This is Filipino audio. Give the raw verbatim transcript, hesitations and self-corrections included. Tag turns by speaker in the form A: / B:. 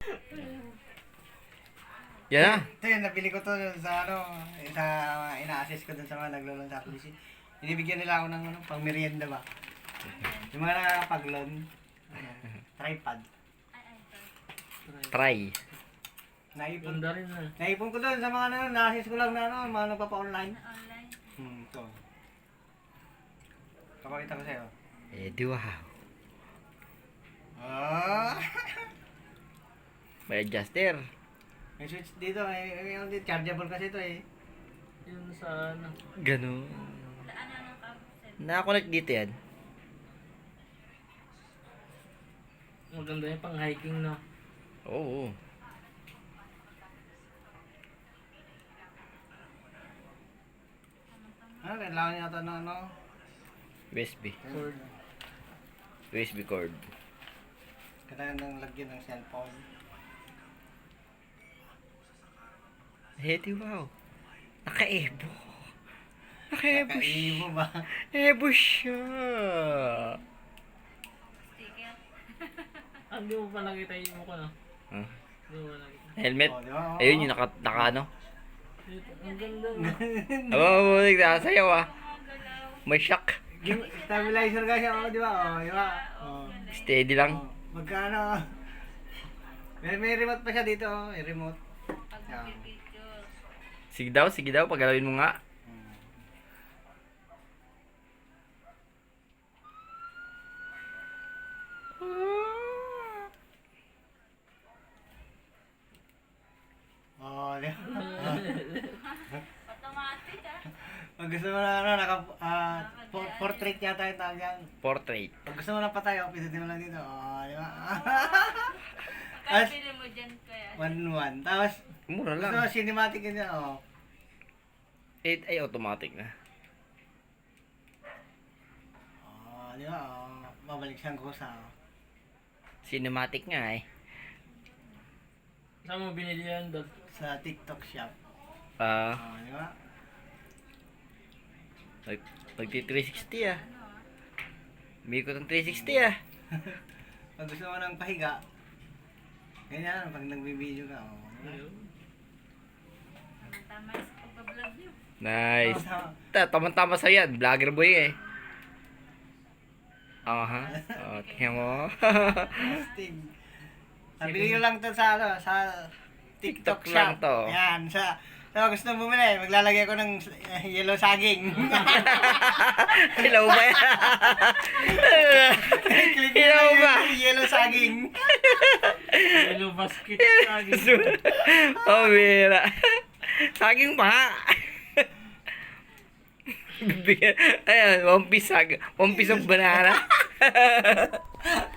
A: Yan na.
B: Ito yun, nabili ko to sa ano, sa ina-assist ko dun sa mga naglulong sa police. Binibigyan nila ako ng ano, pang merienda ba? Yung mga nakakapag-loan. Ano, tripod.
A: Try.
B: Naipon,
C: Ganda rin ah.
B: naipon ko dun sa mga ano, na-assist ko lang na ano, mga nagpapa-online.
D: Online.
B: Hmm, ito. Kapakita ko sa'yo.
A: Eh, di wow.
B: Ah!
A: May adjuster.
B: May switch dito, may, may, may chargeable kasi ito eh.
C: Yun sa ano.
A: Ganun.
D: Daan na ng cancel.
A: Nakakonect dito yan.
C: Maganda yung pang hiking no.
A: Oo.
B: Ano, kailangan niya ito ng ano?
A: U S B.
C: Cord.
A: U S B cord.
B: Kailangan ng lagyan ng cellphone.
A: Eh, di wow. Naka-ebo. Naka-ebo siya.
B: Nakaibo ba?
A: Ebo siya.
D: Sticker.
C: Ah, hindi mo pa nakita yung mukha no?
A: Huh?
C: Hindi mo pa nakita.
A: Helmet.
B: Oh, di ba? Oo.
A: Ayun yung naka, naka ano.
C: Dito, ang ganda no.
A: Aba, mabunig na. Sayaw ah.
D: Mga galaw.
A: May shock.
B: Yung stabilizer kasi ako, di ba? Oh, di ba? Oh.
A: Steady lang.
B: Oh, magkano? May, may remote pa siya dito, oh. May remote.
D: Pag
B: Yeah.
D: picture.
A: Sige daw, sige daw. Pagalawin mo nga.
B: Hmm. Oh, di ba?
D: Automatic ah.
B: Pag gusto mo na ano, naka, ah, por- portrait yata yung tawag yan.
A: Portrait.
B: Pag gusto mo na patay, oh, pindutin mo lang dito. Oh, di ba?
D: Kaya
B: As-
D: pili mo dyan kaya.
B: one one. Tapos,
A: Mura
B: gusto
A: lang.
B: mo cinematic yun yan, oh.
A: eight ay automatic na.
B: Oh, di ba? Oh, babalik siyang kusa, oh.
A: Cinematic nga eh.
C: Saan mo binili yan, Dad?
B: Sa TikTok shop.
A: Ah,
B: Oh, di ba?
A: nag nagti three sixty ah. Umikot ng three sixty ah.
B: Pag gusto mo ng pahiga, ganyan, pag nagbibideo ka, oh. di ba?
C: Ayun.
D: Tama sa pagbablog niyo.
A: Nice.
B: Oh,
A: Ta, tama-tama sa yan. Vlogger boy eh. Aha. Oh, tingnan mo.
B: Astig. Nabili ko lang to sa ano, sa TikTok,
A: TikTok
B: shop.
A: lang to.
B: Yan, sa sa gusto mo bumili, maglalagay ako ng uh, yellow saging.
A: Hello ba yan?
B: Click mo
A: Hello
B: yung
A: ba?
B: yellow saging.
C: Yellow basket lagi.
A: Oh, mira. Saging pa. Bibigyan. Ayan, one piece sag. One piece of banana.